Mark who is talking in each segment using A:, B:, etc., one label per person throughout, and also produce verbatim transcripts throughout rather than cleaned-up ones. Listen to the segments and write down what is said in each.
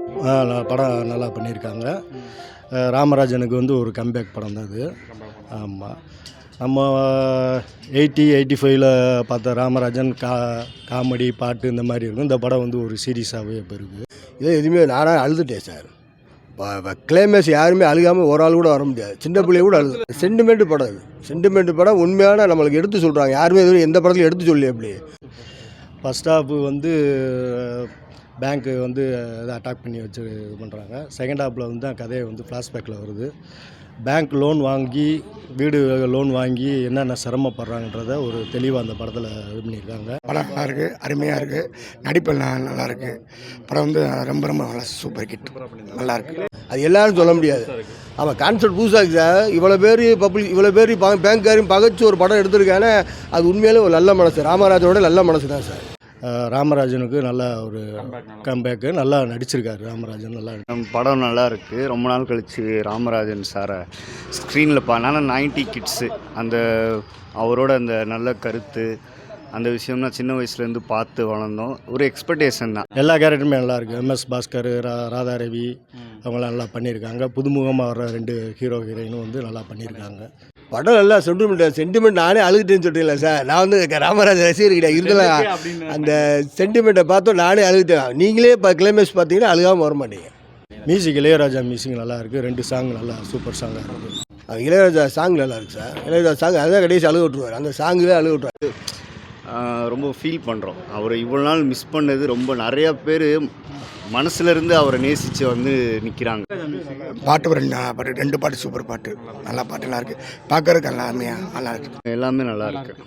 A: படம் நல்லா பண்ணியிருக்காங்க. ராமராஜனுக்கு வந்து ஒரு கம்பேக் படம் தான் அது. ஆமாம், நம்ம எயிட்டி எயிட்டி ஃபைவ்ல பார்த்த ராமராஜன் கா காமெடி பாட்டு இந்த மாதிரி இருக்கும். இந்த படம் வந்து ஒரு சீரியஸாகவே இப்போ இருக்குது.
B: இதே எதுவுமே நானாக அழுதுட்டேன் சார். கிளைமேக்ஸ் யாருமே அழுகாமல் ஒரு ஆள் கூட வர முடியாது. சின்ன பிள்ளைய கூட அழுது. சென்டிமெண்ட் படம் இது. சென்டிமெண்ட் படம் உண்மையான நம்மளுக்கு எடுத்து சொல்கிறாங்க. யாருமே எதுவும் எந்த படத்துலையும் எடுத்து சொல்லி அப்படி.
A: ஃபஸ்ட் ஹாஃப் வந்து பேங்க்கு வந்து இதை அட்டாக் பண்ணி வச்சு இது பண்ணுறாங்க. செகண்ட் ஹாஃபில் வந்து தான் கதையை வந்து ஃப்ளாஷ்பேக்கில் வருது. பேங்க் லோன் வாங்கி வீடு லோன் வாங்கி என்னென்ன சிரமப்படுறாங்கன்றத ஒரு தெளிவாக அந்த படத்தில் இது பண்ணியிருக்காங்க.
C: படம் நல்லா இருக்குது, அருமையாக இருக்குது, நடிப்பு நல்லா இருக்குது. படம் வந்து ரொம்ப ரொம்ப நல்லா சூப்பர் ஹிட், நல்லா இருக்குது.
B: அது எல்லாரும் சொல்ல முடியாது. ஆமாம், கான்செப்ட் புதுசாக இருக்குது சார். இவ்வளோ பேர் பப்ளிக் இவ்வளோ பேர் பேங்க்காரையும் பகைச்சு ஒரு படம் எடுத்திருக்கானே, அது உண்மையிலே ஒரு நல்ல மனசு. ராமராஜனோட நல்ல மனசு தான் சார்.
A: ராமராஜனுக்கு நல்ல ஒரு கம்பேக்கு, நல்லா நடிச்சிருக்காரு ராமராஜன். நல்லா
D: படம் நல்லா இருக்குது. ரொம்ப நாள் கழித்து ராமராஜன் சாரை ஸ்க்ரீனில் பானால நைன்டி கிட்ஸு அந்த அவரோட அந்த நல்ல கருத்து அந்த விஷயம்னா சின்ன வயசுலேருந்து பார்த்து வளர்ந்தோம். ஒரு எக்ஸ்பெக்டேஷன் தான்.
A: எல்லா கேரக்டருமே நல்லா இருக்குது. எம்எஸ் பாஸ்கர், ரா ராதா ரவி அவங்களாம் நல்லா பண்ணியிருக்காங்க. புதுமுகமாக வர்ற ரெண்டு ஹீரோ ஹீரோயினும் வந்து நல்லா பண்ணியிருக்காங்க.
B: படம் நல்லா சென்டிமெண்ட் சென்டிமெண்ட் நானே அழுதுட்டேன்னு சொல்லிட்டீங்களா சார். நான் வந்து ராமராஜ ரசிகர் கிடையாது, இருந்தாலும் அந்த சென்டிமெண்ட்டை பார்த்தோம் நானே அழுதுட்டேன். நீங்களே இப்போ கிளைமேக்ஸ் பார்த்தீங்கன்னா அழுகாமல் வர மாட்டீங்க.
A: மியூசிக் இளையராஜா மியூசிக் நல்லா இருக்குது. ரெண்டு சாங் நல்லா சூப்பர் சாங்காக இருக்குது.
B: இளையராஜா சாங் நல்லா இருக்குது சார். இளையராஜா சாங் அதான் கடைசி அழுக விட்டுருவார். அந்த சாங்குவே அழுக விட்டுருவார்.
D: ரொம்ப ஃபீல் பண்ணுறோம். அவரை இவ்வளோ நாள் மிஸ் பண்ணது ரொம்ப நிறையா பேர் மனசுலேருந்து அவரை நேசித்து வந்து நிற்கிறாங்க.
C: பாட்டு ஒரு ரெண்டு பாட்டு ரெண்டு பாட்டு சூப்பர் பாட்டு, நல்லா பாட்டு நல்லா இருக்குது. பார்க்கறதுக்கு எல்லாமே நல்லா இருக்குது.
D: எல்லாமே நல்லா இருக்குது.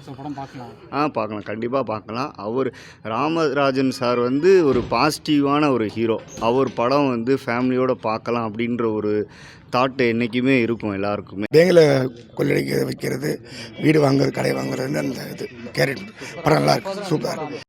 D: ஆ பார்க்கலாம், கண்டிப்பாக பார்க்கலாம். அவர் ராமராஜன் சார் வந்து ஒரு பாசிட்டிவான ஒரு ஹீரோ. அவர் படம் வந்து ஃபேமிலியோடு பார்க்கலாம் அப்படின்ற ஒரு தாட்டு என்றைக்குமே இருக்கும் எல்லாருக்குமே.
C: பேங்கில் கொள்ளடிக்க வைக்கிறது, வீடு வாங்குறது, கடை வாங்குறது, அந்த இது கேரட் படம் நல்லா இருக்குது, சூப்பராக இருக்குது.